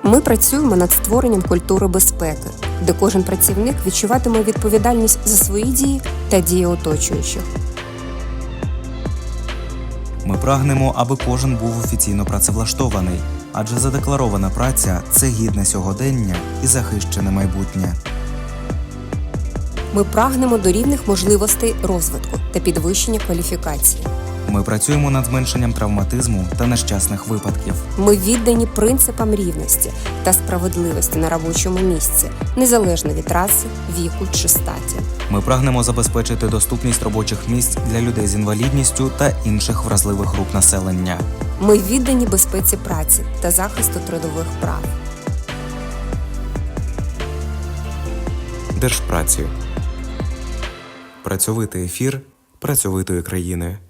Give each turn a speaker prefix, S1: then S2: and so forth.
S1: Ми працюємо над створенням культури безпеки, де кожен працівник відчуватиме відповідальність за свої дії та дії оточуючих.
S2: Ми прагнемо, аби кожен був офіційно працевлаштований, адже задекларована праця – це гідне сьогодення і захищене майбутнє.
S1: Ми прагнемо до рівних можливостей розвитку та підвищення кваліфікації.
S2: Ми працюємо над зменшенням травматизму та нещасних випадків.
S1: Ми віддані принципам рівності та справедливості на робочому місці, незалежно від раси, віку чи статі.
S2: Ми прагнемо забезпечити доступність робочих місць для людей з інвалідністю та інших вразливих груп населення.
S1: Ми віддані безпеці праці та захисту трудових прав.
S2: Держпраці. Працьовитий ефір працьовитої країни.